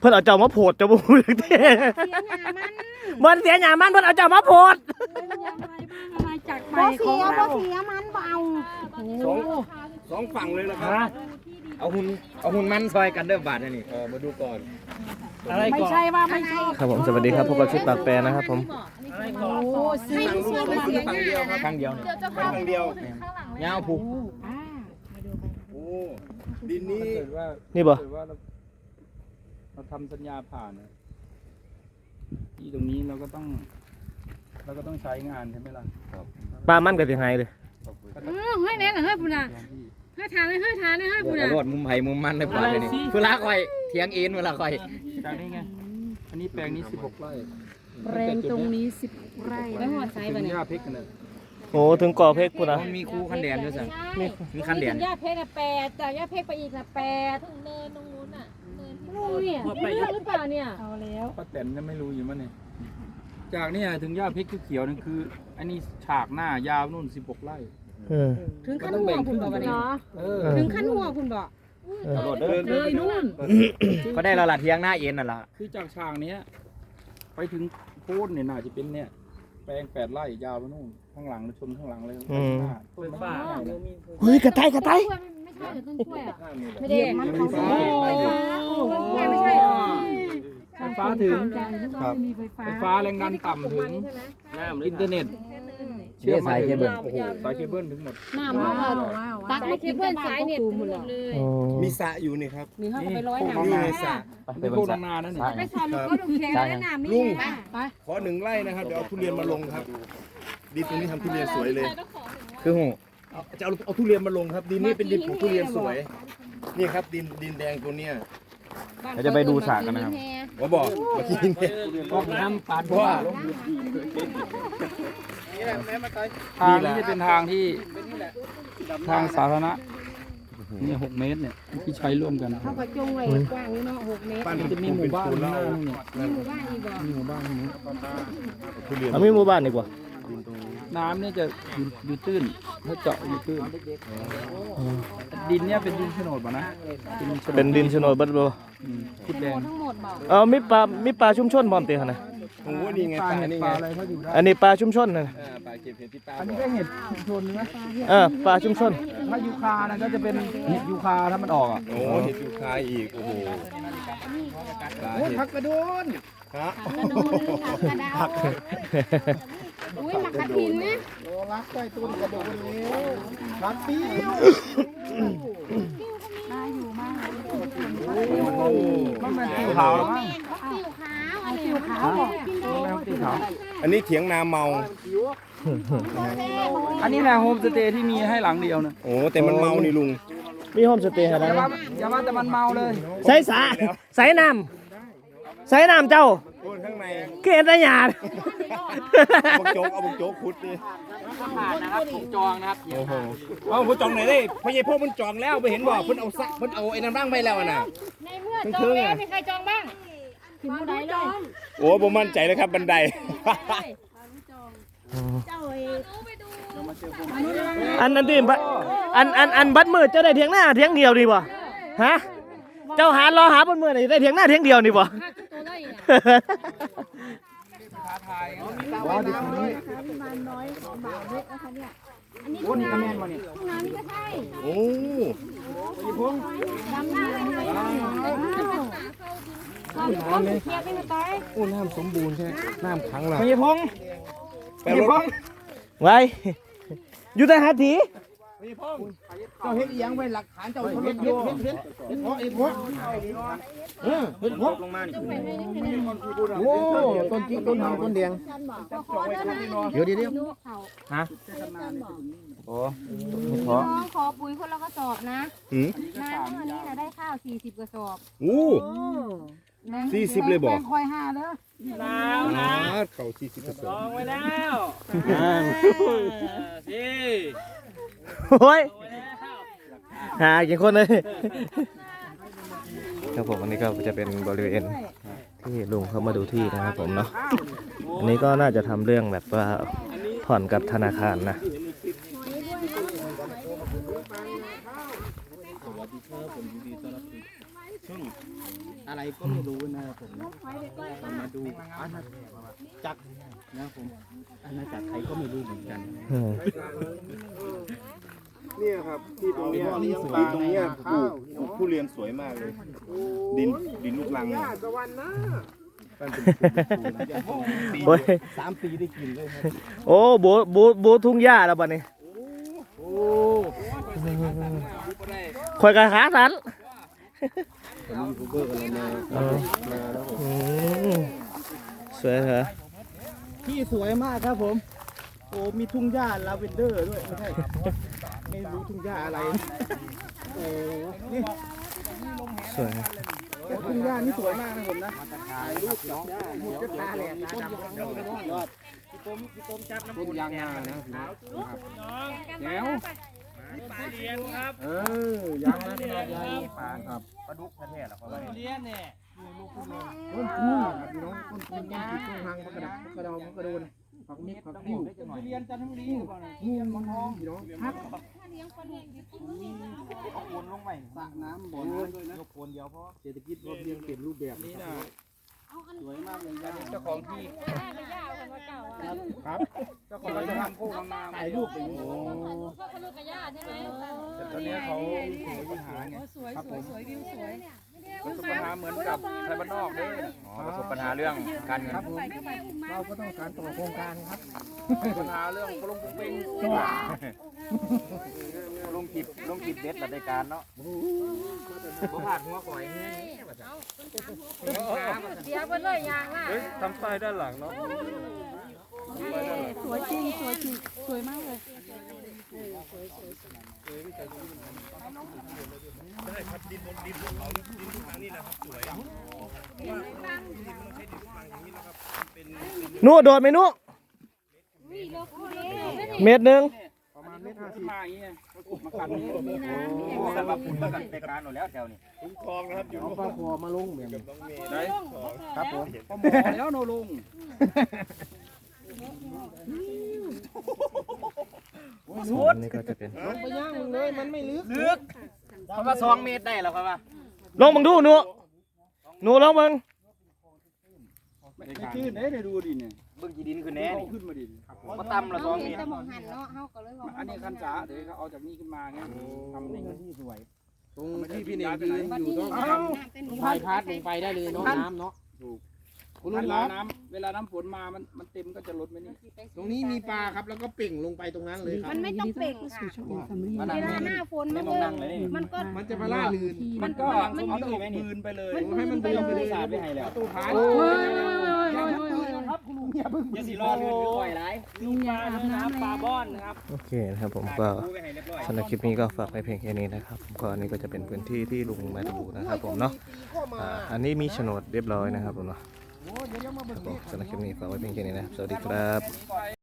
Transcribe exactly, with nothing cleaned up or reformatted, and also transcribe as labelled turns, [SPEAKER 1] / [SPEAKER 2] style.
[SPEAKER 1] พิ่นเอาเจ้ามาโพดเจ้าบ่ฮู้จักเด้มันเสียหน้ามันเพิ่นเอาเจ้ามาโพด
[SPEAKER 2] อะไรจากไปของเราบ่เสียมันเบา
[SPEAKER 3] สองสองฝั่งเลยนะครับเอาหุ่นเอาหุ่นมันซอยกันเด้อบาทนี่เออมาดูก่อน
[SPEAKER 2] อะไรก่อนไม่ใช่ว่าไม่ชอบ
[SPEAKER 1] ครับผมสวัสดีครับพบกับชิดปากแปรนะครับผม
[SPEAKER 2] โอ้ซื้อซื้อมาเสียหน้านะ
[SPEAKER 3] ข้างเดียวเนี่ยข้างเดียวเงาผูก
[SPEAKER 4] โอ้ดินนี้
[SPEAKER 1] นี่บ่
[SPEAKER 5] เราทำสัญญาผ่านที่ตรงนี้เราก็ต้องเราก็ต้องใช้งานใช่ไหมล่ะ
[SPEAKER 1] ปลามันก็สิหายเลย
[SPEAKER 2] เออเฮ้ยแน่น่ะเฮ้ยพุ่นน่ะเฮ้ยทานเลยเฮ้ยทานเลยเฮ้ยพุ่นน่ะ
[SPEAKER 3] รถมุมไผ่มุมมันได้ป่ะเดี๋ยวนี้เวลาคอยเถียงเอ็นเวลาคอย
[SPEAKER 5] จากนี้ไงอันนี้แปลงนี้สิบหกไร่
[SPEAKER 2] แปลงตรงนี้สิบไร่แล้วหัวไซบ่เนี่ย
[SPEAKER 5] หญ้าเพชรกันเลย
[SPEAKER 1] โอ้ถึงก่อเพชรพุ่นน่ะ
[SPEAKER 3] มันมีคู่คันแดนด้วยสั่ง
[SPEAKER 2] มี
[SPEAKER 3] มีคันแดน
[SPEAKER 2] หญ้าเพชรน่ะแปดจากหญ้าเพชรไปอีกน่ะแปดถึงเนินตรงนู้นน่ะเนินที่เนี่ยมีเรื่องหรือเปล่าเนี่ยเอาแล้ว
[SPEAKER 5] ป้าแตนจะไม่รู้อยู่มั้งเนี่ยจากนี่ถึงหญ้าเพชรเขียวนั่นคืออันนี้ฉากหน้ายาวนู่นสิบหกไร่
[SPEAKER 2] ถึงขั้นหัวคุณบอกว่าเนี่ยถึงขั้นหัวคุณบอกเลยนู่น
[SPEAKER 3] ก็ได้ละละเทียงหน้าเอ็นน่ะละ
[SPEAKER 5] คือจากฉากเนี้ยไปถึงโค่นเนี่ยน่าจะเป็นเนี่ยแปลงแปดไร่ยาวไปนู่นข้างหลังชนข้างหลังเลยต้นฟ้า
[SPEAKER 1] เฮ้ยกระต่ายกระต่าย
[SPEAKER 2] ไม่ใช่ต้นกล้วยอ่ะไม่ได้มันของไม่ใช่หรอ
[SPEAKER 5] ไฟฟ้าถึงไฟฟ้าแรงดันต่ำถึงอินเทอร์เน็ต
[SPEAKER 3] เชื่อสายเคเบิล
[SPEAKER 5] โอ้โหสายเคเบิลถึงหมด
[SPEAKER 2] น้ำมันตักไม่เคเบิลสายเน็ตหมดเลย
[SPEAKER 4] มีสระอยู่นี่ครับ
[SPEAKER 2] มีเข้าไปร้อยน้ำ
[SPEAKER 4] นี่สระ
[SPEAKER 5] ไปพวกนานั่นนี่
[SPEAKER 2] ไปสอนลูกก็ดูแข็งแล้วน้ำนี่ไป
[SPEAKER 4] ขอหนึ่งไร่นะครับเดี๋ยวเอาทุเรียนมาลงครับดินตรงนี้ทำทุเรียนสวยเลย
[SPEAKER 3] คือหู
[SPEAKER 4] จะเอาเอาทุเรียนมาลงครับดินนี้เป็นดินของทุเรียนสวยนี่ครับดินดินแดงตัวเนี้ย
[SPEAKER 3] เราจะไปดูฉากกันนะครับ
[SPEAKER 4] ผมบอกเมื่อกี้เนี่ย
[SPEAKER 5] ห้องน้ำปาด
[SPEAKER 4] เพราะว่า
[SPEAKER 5] ทางนี้จะเป็นทางที่ทางสาธารณะนี่หกเมตรเนี่ยที่ใช้ร่วมกัน
[SPEAKER 2] เขากระจงไว้กว้างนี่เนาะหกเมตร
[SPEAKER 5] มันจะมีหมู่บ้านข้างหน้าเนี่ย
[SPEAKER 2] มีหมู่บ้านอีกบ่
[SPEAKER 5] มีหมู่บ้านนี้
[SPEAKER 1] เอามีหมู่บ้านดีกว่า
[SPEAKER 5] น้ำเนี่ยจะอยู่ตื้นถ้าเจาะอยู่ตื้นดินเนี่ยเป็นดินโฉนดป่ะนะ
[SPEAKER 1] เป็นดินโฉนดบัดบ่
[SPEAKER 5] ขุดแดง
[SPEAKER 2] ทั้งหมดบ่
[SPEAKER 1] เออมีปลามีปลาชุมชนบ่อนติหั่นน่ะ
[SPEAKER 4] โอ้นี่ไงปลานี่ไง
[SPEAKER 1] อันนี้ปลาชุมชนน่ะ
[SPEAKER 4] ปลาเก็บเห็ดที่ปลา
[SPEAKER 5] อันนี้ก็เห็ดชุมชนนะ
[SPEAKER 1] เออปลาชุมชน
[SPEAKER 5] ถ้ายูคานะก็จะเป็นเห็ดยูคาถ้ามันออกอ่ะ
[SPEAKER 4] โอ้เห็ดยูคาอีกโอ้โห
[SPEAKER 5] โอ้ผักกระโดน
[SPEAKER 4] ฮะ
[SPEAKER 2] ผักกระโดนอุ้ยผักกระถินนะ
[SPEAKER 5] โอ้รักใส่ต้นกระโดนแล้วรักปิ้ว
[SPEAKER 2] มาอยู่มาก
[SPEAKER 5] มันเป็นติ้วขาวมั้ง
[SPEAKER 2] ติ้วขาวอันนี้ติ้วขาวบอก
[SPEAKER 5] ติ้วขาว
[SPEAKER 4] อันนี้เถียงนาเมา
[SPEAKER 5] อันนี้แหละโฮมสเตย์ที่มีให้หลังเดียวนะ
[SPEAKER 4] โอ้แต่มันเมานี่ลุง
[SPEAKER 1] มีโฮมสเตย์อะไร
[SPEAKER 5] อย่าว่าอย่าว่าแต่มันเมาเลย
[SPEAKER 1] ใส่สาใส่น้ำใส่น้ำเจ้า
[SPEAKER 4] ข้างใน
[SPEAKER 1] เกศได้หยาด
[SPEAKER 4] บุกโจ๊กเอาบุกโจ๊กขุดดิ
[SPEAKER 5] ผ่านนะครับถูกจองนะครับ
[SPEAKER 4] โอ้โหเอาบุกจองไหนได้พญายพ่อมันจองแล้วไปเห็นบ่เพิ่นเอาซักเพิ่นเอาไอ้น้ำร่างไปแล้วน่ะ
[SPEAKER 2] ในเมื่อจองแล้วมีใครจองบ้างถึงบันไดเลย
[SPEAKER 4] โอ้ผมมั่นใจเลยครับบันได
[SPEAKER 1] อันนั้นดิอันอันอันบัดมืดเจ้าได้เถียงหน้าเถียงเดียวดีบ่ฮะเจ้าหารอหาบนมือได้เถียงหน้าเถียงเดียวนี่บ่
[SPEAKER 5] ว้าวดิคุณนี่น้อยบาทเล็กนะคะเนี่ยอันนี้นี่คะแนนมาเนี่ย
[SPEAKER 2] ห้องน้ำนี่ก็ใช่
[SPEAKER 4] โอ้
[SPEAKER 5] ยพง
[SPEAKER 2] ดำหน้าเลยน้ำเทียบไม่มาตาย
[SPEAKER 4] โอ้น้ำสมบูรณ์ใช่น้ำขังละ
[SPEAKER 5] พญพงพญพง
[SPEAKER 1] ไว้อยู่แต่หาที
[SPEAKER 5] พญพงเจ้าเฮ็ดยังไว้หลักฐานเจ้าเฮ็ดเฮ็ดเฮ็ดเฮ็ดเฮ็ดเพราะไอ้เพราะเออเฮ็ดเพราะลงมานี่โอ้ต้นจิ๊กต้นหางต้นแดงเดี๋ยวเดี๋ยวเดี๋ยวฮะโอ้
[SPEAKER 2] ขอขอปุ๋ยคนละกระสอบนะน้ำเมื่อนี้นะได้ข้าวสี่สิบกระสอบ
[SPEAKER 4] โอ้สี่สิบเลยบอก
[SPEAKER 2] คอยห้าเด้อ
[SPEAKER 4] แล้วนะเขาสี่สิบกระสอบ
[SPEAKER 5] ลองไว้แล้วสี่
[SPEAKER 1] โอ้ยหากี่คนเลยครับผมอันนี้ก็จะเป็นบริเวณที่ลุงเขามาดูที่นะครับผมเนาะอันนี้ก็น่าจะทำเรื่องแบบว่าผ่อนกับธนาคารนะ
[SPEAKER 3] อะไรก็
[SPEAKER 5] ก็ไม่รู้นะครับผมมาดูอาณาจักรนะครับผมอาณาจักรใครก็ไม่รู้เหมือนกัน
[SPEAKER 1] อืม
[SPEAKER 4] เนี่ยครับที่ตรงเนี้ยที่สวยตรงเนี้ยปลูกปลูกทุเรียนสวยมากเลย ดินดินลูกรังเนี่ยมันเป็นปี
[SPEAKER 1] โอ้ย
[SPEAKER 5] สามปีได้กินเลยครับ
[SPEAKER 1] โอ้โบโบโบทุ่งหญ้าแล้วบัดนี้
[SPEAKER 5] โอ้
[SPEAKER 1] คอยกันขาสัน
[SPEAKER 5] ยูทูบเบอร์กันมา
[SPEAKER 1] เออ
[SPEAKER 5] มาแล้วผม
[SPEAKER 1] อืมสวยเหรอ
[SPEAKER 5] ที่สวยมากครับผมโอ้มีทุ่งหญ้าลาเวนเดอร์ด้วยไม่ใช่ไม่รู้ทุ่งหญ้าอะไรโอ้นี่
[SPEAKER 1] สวย
[SPEAKER 5] ทุ่งหญ้านี่สวยมากนะผมนะถ่ายรูปกับหญ้าหมดก็ตาแหลกตาดำยอดต้นยางนานะพี่น้องแล้วเออยางนาขนาดใหญ่ปานครับ
[SPEAKER 3] ปลาดุกแท้ๆหรอครับ
[SPEAKER 5] ต้นพูครับพี่น้องต้นพูต้นจิกต้นหางพักกระดับพักกระดองพักกระโดนผักมิกผักติ้วเรียนจันทบุรีงูมันทองพี่น้องพัก
[SPEAKER 3] เอาโคนลงไป
[SPEAKER 5] สระน้ำบ่อน้ำด้วยนะ
[SPEAKER 3] ยกโคนเดียวพอ
[SPEAKER 5] เศรษฐกิจพอเพียงเปลี่ยนรูปแบบนี้นะสวยมากเลยยา
[SPEAKER 3] เจ้าของที่
[SPEAKER 2] ได้ไปย่าคนว่าเก่าอ่ะ
[SPEAKER 5] ครับ
[SPEAKER 3] เจ้าของเราจะทำโค้งทำนา
[SPEAKER 5] ถ่ายรูปไปโอ้
[SPEAKER 2] ก็คนลูกกับย่าใช่ไหม
[SPEAKER 3] แต่ตอนนี้เขาสวยปัญหาไง
[SPEAKER 2] สวยสวยสวยวิวสวย
[SPEAKER 3] ประสบปัญหาเหมือนกับไทยบ้านนอกเด้อ๋อประสบปัญหาเรื่องการเงิน
[SPEAKER 5] ครับผมเราก็ต้องการต่อโครงการครับ
[SPEAKER 3] ปัญหาเรื่องลงปุ๊บเป้งลงคลิปลงคลิปเด็ดรายการเนาะบ่ผ่านหัวก่อยแห้ง
[SPEAKER 2] เดี๋ยวไปเลยยางล่ะ
[SPEAKER 3] เฮ้ยทำป้ายด้านหลังเนาะ
[SPEAKER 2] สวยจริงสวยจริงสวยมากเลย
[SPEAKER 4] ได้ครับดินบนดินภูเขาดินทุกทางนี่แหละครับสวยว่าดินมันต้องใช้ดินทุกทางอย่างนี้นะครับเป็น
[SPEAKER 1] นู่โดดไหมนู่เม็ดหนึ่ง
[SPEAKER 5] ประมาณเมตรห้าสิบ
[SPEAKER 3] มาอย่างเงี้ยมาขันนี่สำหรับคุณมากันรายการหมดแล้วแถวนี้
[SPEAKER 4] คุ้มครองนะครับอยู่
[SPEAKER 5] เอา
[SPEAKER 4] ร่วม
[SPEAKER 5] ปลาคอมาลงเหมือน
[SPEAKER 4] กับน้องเมย์
[SPEAKER 3] ได้
[SPEAKER 5] ครับผม
[SPEAKER 3] พอหมอแล้วโนลุง
[SPEAKER 1] ส่วนนี้ก็จะเป็น
[SPEAKER 5] ลงไปย่างมึงเลยมันไม่ลึก
[SPEAKER 3] ลึกเพราะว่าสองเมตรได้แล้วครับว่า
[SPEAKER 1] ลองมึงดูหนูหนูลองมึง
[SPEAKER 3] ไม่ขึ้นได้ดูดิเนี่ยเบื้องจีดินคือแน่นี่ขึ้นมาดิมาต่ำละสองเมตร
[SPEAKER 2] จะมองหันเนาะเฮาก็เลยว่า
[SPEAKER 3] อันนี้คันจ๋าเดี๋ยวเขาเอาจากนี้ขึ้นมาไงทำในที่สวย
[SPEAKER 5] ตรงที่พี่เน่งยืนอยู่ต้อง
[SPEAKER 3] เอ้า
[SPEAKER 5] พายพาดลงไปได้เลยเนาะน้ำเนาะถูกคุณ
[SPEAKER 3] เว
[SPEAKER 5] ลุงค
[SPEAKER 3] ลา
[SPEAKER 5] รับ
[SPEAKER 3] น้ำเวลาน้ำฝนมามันมันเต็มก็จะลดไปนี่
[SPEAKER 5] ตรงนี้มีปลาครับแล้วก็เป่งลงไปตรงนั้นเลยครับ
[SPEAKER 2] มันไม่ต้องเป่งค่ะ
[SPEAKER 3] มา
[SPEAKER 2] เว
[SPEAKER 3] นั่ง
[SPEAKER 2] ลาหน้าฝน
[SPEAKER 3] ไม่
[SPEAKER 2] มัน
[SPEAKER 3] มอง
[SPEAKER 2] เล
[SPEAKER 3] นั่งเลย
[SPEAKER 2] ย
[SPEAKER 3] นี่
[SPEAKER 2] มันก็
[SPEAKER 5] มันจะมาล่าลื่น
[SPEAKER 3] มันก็เอาตกบืนไปเลย
[SPEAKER 5] ให้มันไปเลย
[SPEAKER 3] สาดไปให้แล้ว
[SPEAKER 5] ตู้ผาน
[SPEAKER 3] ครับคุณลุงอย่าเพิ่งอย่าสิรอเรือปล่อยไรลุงยาอาบน้ำปลาบ้อนนะครับ
[SPEAKER 1] โอเคนะครับผมก็สำหรับคลิปนี้ก็ฝากไปเพียงแค่นี้นะครับผมก็อันนี้ก็จะเป็นพื้นที่ที่ลุงมาดูนะครับผมเนาะอ่าอันนี้มีโฉนดเรียบร้อยนะครับผมเนาะครับผมสำหรับคลิปนี้ฝากไว้เพียงแค่นี้นะครับสวัสดีครับ
[SPEAKER 3] ไป